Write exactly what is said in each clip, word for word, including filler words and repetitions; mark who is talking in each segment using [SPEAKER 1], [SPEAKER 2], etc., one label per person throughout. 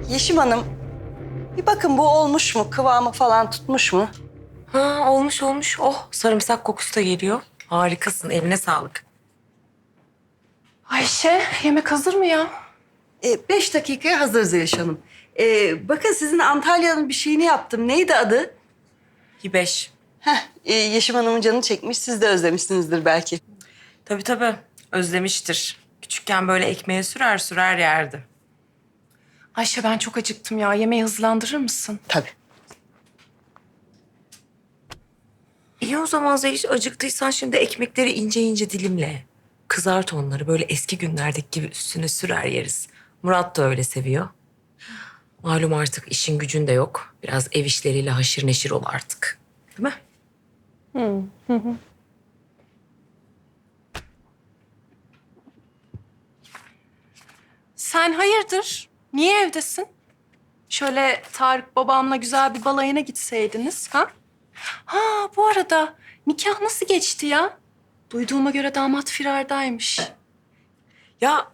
[SPEAKER 1] Yeşim Hanım, bir bakın bu olmuş mu? Kıvamı falan tutmuş mu?
[SPEAKER 2] Ha, olmuş olmuş. Oh, sarımsak kokusu da geliyor. Harikasın, eline sağlık.
[SPEAKER 3] Ayşe, yemek hazır mı ya?
[SPEAKER 1] E, beş dakikaya hazır Zeliş Hanım. E, bakın sizin Antalya'nın bir şeyini yaptım. Neydi adı?
[SPEAKER 2] Hibeş.
[SPEAKER 1] Heh, e, Yeşim Hanım'ın canı çekmiş. Siz de özlemişsinizdir belki.
[SPEAKER 2] Tabii tabii, özlemiştir. Küçükken böyle ekmeğe sürer sürer yerdi.
[SPEAKER 3] Ayşe ben çok acıktım ya. Yemeği hızlandırır mısın?
[SPEAKER 1] Tabii.
[SPEAKER 2] İyi o zaman Zeliş, acıktıysan şimdi ekmekleri ince ince dilimle. Kızart onları, böyle eski günlerdeki gibi üstüne sürer yeriz. Murat da öyle seviyor. Malum artık işin gücün de yok. Biraz ev işleriyle haşır neşir ol artık. Değil mi?
[SPEAKER 3] Sen hayırdır? Niye evdesin? Şöyle Tarık babamla güzel bir balayına gitseydiniz ha? Ha bu arada nikah nasıl geçti ya? Duyduğuma göre damat firardaymış.
[SPEAKER 2] Ya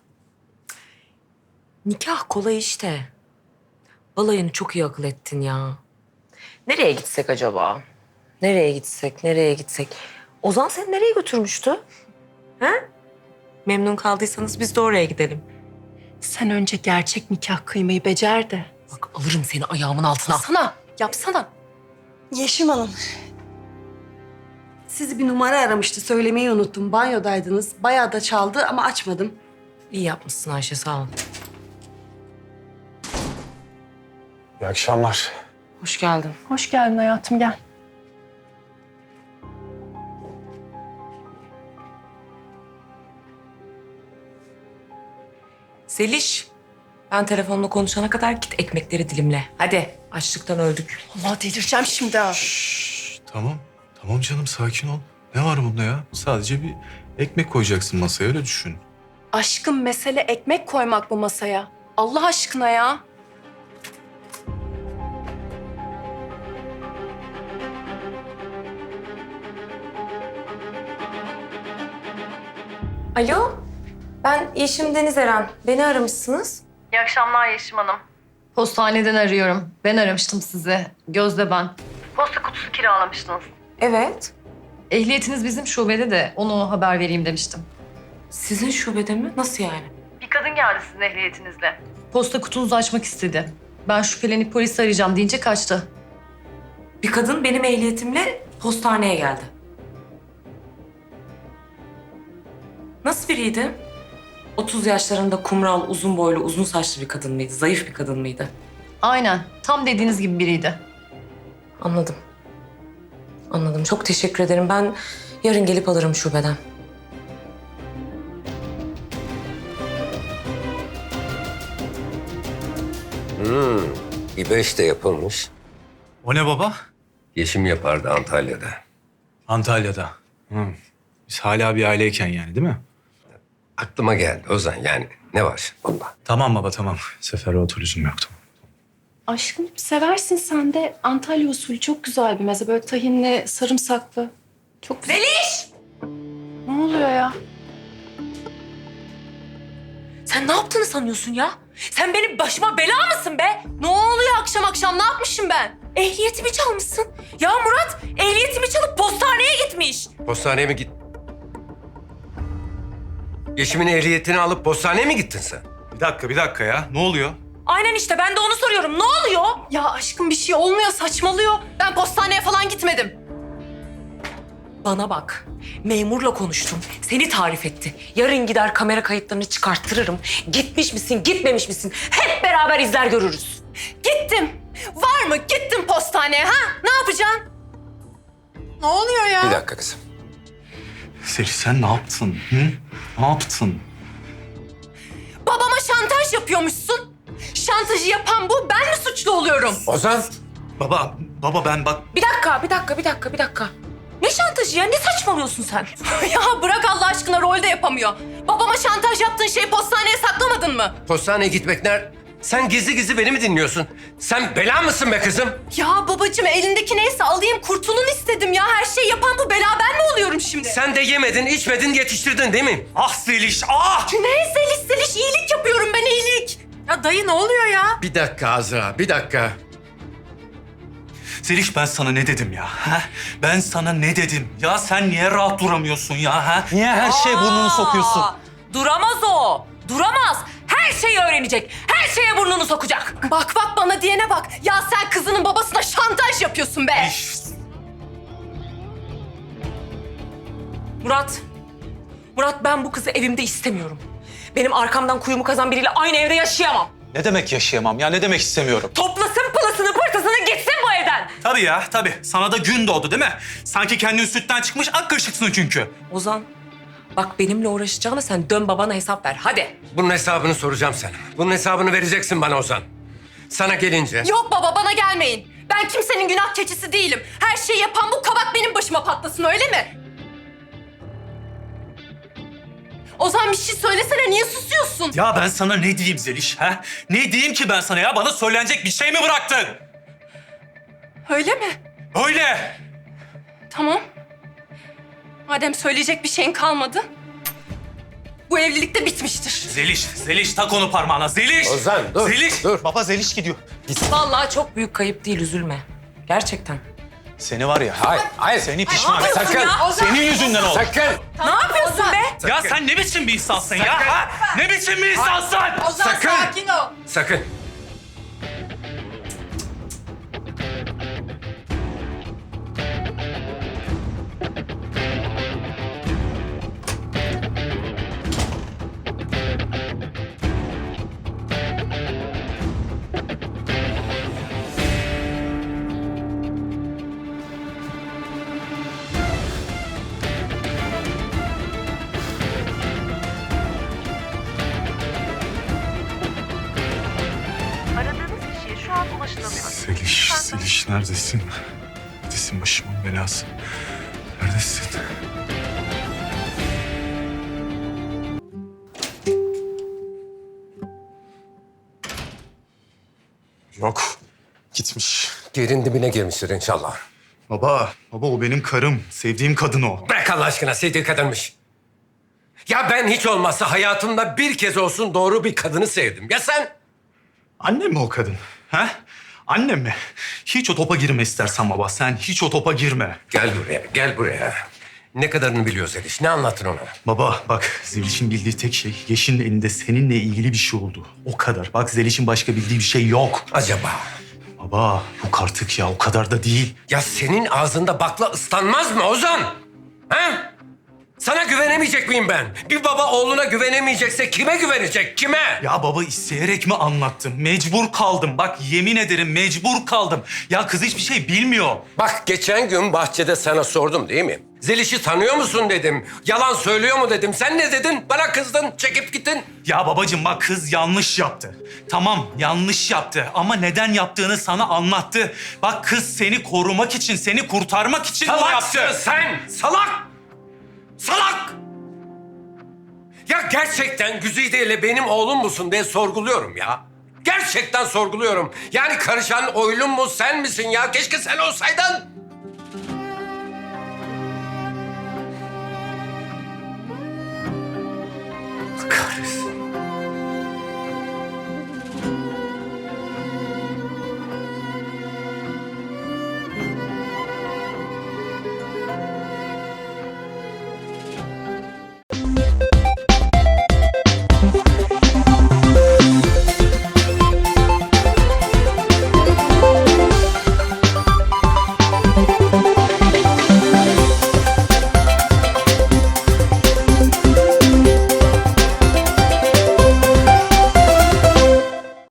[SPEAKER 2] nikah kolay işte. Balayını çok iyi akıl ettin ya. Nereye gitsek acaba? Nereye gitsek, nereye gitsek? Ozan seni nereye götürmüştü? Ha? Memnun kaldıysanız biz de oraya gidelim.
[SPEAKER 3] Sen önce gerçek nikah kıymayı becer de.
[SPEAKER 2] Bak alırım seni ayağımın altına.
[SPEAKER 3] Sana, yapsana.
[SPEAKER 1] Yeşim Hanım. Sizi bir numara aramıştı. Söylemeyi unuttum. Banyodaydınız. Bayağı da çaldı ama açmadım.
[SPEAKER 2] İyi yapmışsın Ayşe, sağ ol.
[SPEAKER 4] İyi akşamlar.
[SPEAKER 2] Hoş geldin.
[SPEAKER 3] Hoş geldin hayatım, gel.
[SPEAKER 2] Seliş, ben telefonla konuşana kadar git ekmekleri dilimle. Hadi, açlıktan öldük.
[SPEAKER 3] Allah delireceğim şimdi ha.
[SPEAKER 4] Şşş, tamam. Tamam canım sakin ol. Ne var bunda ya? Sadece bir ekmek koyacaksın masaya öyle düşün.
[SPEAKER 3] Aşkım mesele ekmek koymak bu masaya. Allah aşkına ya.
[SPEAKER 2] Alo, ben Yeşim Deniz Eren. Beni aramışsınız.
[SPEAKER 5] İyi akşamlar Yeşim Hanım. Postaneden arıyorum. Ben aramıştım sizi. Gözde ben. Posta kutusu kiralamıştınız.
[SPEAKER 2] Evet.
[SPEAKER 5] Ehliyetiniz bizim şubede de onu haber vereyim demiştim.
[SPEAKER 2] Sizin şubede mi? Nasıl yani?
[SPEAKER 5] Bir kadın geldi sizin ehliyetinizle. Posta kutunuzu açmak istedi. Ben şüphelenip polisi arayacağım deyince kaçtı.
[SPEAKER 2] Bir kadın benim ehliyetimle postaneye geldi. Nasıl biriydi? otuz yaşlarında kumral, uzun boylu, uzun saçlı bir kadın mıydı? Zayıf bir kadın mıydı?
[SPEAKER 5] Aynen. Tam dediğiniz gibi biriydi.
[SPEAKER 2] Anladım. Anladım. Çok teşekkür ederim. Ben yarın gelip alırım şubeden.
[SPEAKER 6] Hmm, bir beş de yapılmış.
[SPEAKER 4] O ne baba?
[SPEAKER 6] Yeşim yapardı Antalya'da.
[SPEAKER 4] Antalya'da. Hı. Biz hala bir aileyken yani değil mi?
[SPEAKER 6] Aklıma geldi Ozan yani ne var baba?
[SPEAKER 4] Tamam baba tamam. Seferruat lüzum yok tamam.
[SPEAKER 3] Aşkım seversin sen de. Antalya usulü çok güzel bir meze. Böyle tahinli, sarımsaklı. Çok güzel.
[SPEAKER 2] Zeliş!
[SPEAKER 3] Ne oluyor ya?
[SPEAKER 2] Sen ne yaptığını sanıyorsun ya? Sen benim başıma bela mısın be?
[SPEAKER 3] Ne oluyor akşam akşam? Ne yapmışım ben?
[SPEAKER 2] Ehliyetimi çalmışsın. Ya Murat ehliyetimi çalıp postaneye gitmiş.
[SPEAKER 6] Postaneye mi git? Yeşim'in ehliyetini alıp postaneye mi gittin sen?
[SPEAKER 4] Bir dakika bir dakika ya. Ne oluyor?
[SPEAKER 2] Aynen işte ben de onu soruyorum. Ne oluyor?
[SPEAKER 3] Ya aşkım bir şey olmuyor, saçmalıyor. Ben postaneye falan gitmedim.
[SPEAKER 2] Bana bak. Memurla konuştum. Seni tarif etti. Yarın gider kamera kayıtlarını çıkarttırırım. Gitmiş misin, gitmemiş misin? Hep beraber izler görürüz.
[SPEAKER 3] Gittim. Var mı? Gittim postaneye ha? Ne yapacaksın? Ne oluyor ya?
[SPEAKER 6] Bir dakika kızım.
[SPEAKER 4] Seliş sen ne yaptın? Hı? Ne yaptın?
[SPEAKER 3] Babama şantaj yapıyormuşsun. Şantajı yapan bu. Ben mi suçlu oluyorum?
[SPEAKER 6] Ozan!
[SPEAKER 4] Baba, baba ben bak...
[SPEAKER 2] Bir dakika, bir dakika, bir dakika, bir dakika. Ne şantajı ya? Ne saçmalıyorsun sen?
[SPEAKER 3] Ya bırak Allah aşkına, rol de yapamıyor. Babama şantaj yaptığın şeyi postaneye saklamadın mı?
[SPEAKER 6] Postaneye gitmek ner... Sen gizli gizli beni mi dinliyorsun? Sen bela mısın be kızım?
[SPEAKER 3] Ya babacığım elindeki neyse alayım kurtulun istedim ya. Her şeyi yapan bu, bela ben mi oluyorum şimdi?
[SPEAKER 6] Sen de yemedin, içmedin, yetiştirdin değil mi?
[SPEAKER 4] Ah Seliş, ah!
[SPEAKER 3] Ne zeliş zeliş iyilik yapıyorum ben, iyilik.
[SPEAKER 2] Ya Ya dayı ne oluyor ya?
[SPEAKER 6] Bir dakika Azra, bir dakika.
[SPEAKER 7] Zeliş ben sana ne dedim ya? Ha? Ben sana ne dedim? Ya sen niye rahat duramıyorsun ya? Ha? Niye her şeye burnunu sokuyorsun?
[SPEAKER 2] Duramaz o. Duramaz. Her şeyi öğrenecek. Her şeye burnunu sokacak.
[SPEAKER 3] Bak bak bana diyene bak. Ya sen kızının babasına şantaj yapıyorsun be.
[SPEAKER 2] Murat. Murat ben bu kızı evimde istemiyorum. Benim arkamdan kuyumu kazan biriyle aynı evde yaşayamam.
[SPEAKER 7] Ne demek yaşayamam ya? Ne demek istemiyorum?
[SPEAKER 2] Toplasın pılısını pırtısını gitsin bu evden.
[SPEAKER 7] Tabii ya, tabii. Sana da gün doğdu değil mi? Sanki kendin sütten çıkmış ak kaşıksın çünkü.
[SPEAKER 2] Ozan bak benimle uğraşacağına sen dön babana hesap ver hadi.
[SPEAKER 6] Bunun hesabını soracağım sana. Bunun hesabını vereceksin bana Ozan. Sana gelince...
[SPEAKER 3] Yok baba bana gelmeyin. Ben kimsenin günah keçisi değilim. Her şeyi yapan bu kabak benim başıma patlasın öyle mi? Ozan bir şey söylesene niye susuyorsun?
[SPEAKER 7] Ya ben sana ne diyeyim Zeliş? Ha? Ne diyeyim ki ben sana ya? Bana söylenecek bir şey mi bıraktın?
[SPEAKER 3] Öyle mi?
[SPEAKER 7] Öyle.
[SPEAKER 3] Tamam. Madem söyleyecek bir şeyin kalmadı. Bu evlilik de bitmiştir.
[SPEAKER 7] Zeliş, Zeliş tak onu parmağına. Zeliş.
[SPEAKER 6] Ozan, dur,
[SPEAKER 7] Zeliş.
[SPEAKER 6] dur.
[SPEAKER 7] Baba Zeliş gidiyor.
[SPEAKER 2] Vallahi çok büyük kayıp değil üzülme. Gerçekten.
[SPEAKER 7] Seni var ya.
[SPEAKER 6] Hayır, hayır.
[SPEAKER 7] Seni pişman et.
[SPEAKER 6] Sakın,
[SPEAKER 7] Senin yüzünden oldu.
[SPEAKER 6] sakın.
[SPEAKER 2] Ne yapıyorsun be?
[SPEAKER 7] Ya sen ne biçim bir insansın ya? Ha? Ne biçim bir insansın?
[SPEAKER 6] Sakın. Sakın.
[SPEAKER 4] Zeliş, Zeliş neredesin? Neredesin başımın belası? Neredesin? Yok, gitmiş.
[SPEAKER 6] Yerin dibine girmiştir inşallah.
[SPEAKER 4] Baba, baba o benim karım. Sevdiğim kadın o.
[SPEAKER 6] Bırak Allah aşkına, sevdiği kadınmış. Ya ben hiç olmazsa hayatımda bir kez olsun doğru bir kadını sevdim. Ya sen?
[SPEAKER 7] Annem mi o kadın? Ha? Annem mi? Hiç o topa girme istersen baba. Sen hiç o topa girme.
[SPEAKER 6] Gel buraya, gel buraya. Ne kadarını biliyor Zeliş? Ne anlattın ona?
[SPEAKER 7] Baba bak Zeliş'in bildiği tek şey Yeşil'in elinde seninle ilgili bir şey oldu. O kadar. Bak Zeliş'in başka bildiği bir şey yok.
[SPEAKER 6] Acaba?
[SPEAKER 7] Baba yok artık ya o kadar da değil.
[SPEAKER 6] Ya senin ağzında bakla ıslanmaz mı Ozan? Ha? Sana güvenemeyecek miyim ben? Bir baba oğluna güvenemeyecekse kime güvenecek? Kime?
[SPEAKER 7] Ya baba isteyerek mi anlattım? Mecbur kaldım. Bak yemin ederim mecbur kaldım. Ya kız hiçbir şey bilmiyor.
[SPEAKER 6] Bak geçen gün bahçede sana sordum değil mi? Zeliş'i tanıyor musun dedim. Yalan söylüyor mu dedim. Sen ne dedin? Bana kızdın, çekip gittin.
[SPEAKER 7] Ya babacığım bak kız yanlış yaptı. Tamam yanlış yaptı ama neden yaptığını sana anlattı. Bak kız seni korumak için, seni kurtarmak için bunu
[SPEAKER 6] Salaksın
[SPEAKER 7] yaptı.
[SPEAKER 6] sen! Salak! Salak! Ya gerçekten Güzide ile benim oğlum musun diye sorguluyorum ya. Gerçekten sorguluyorum. Yani karışan oylum mu sen misin ya? Keşke sen olsaydın. Kahretsin.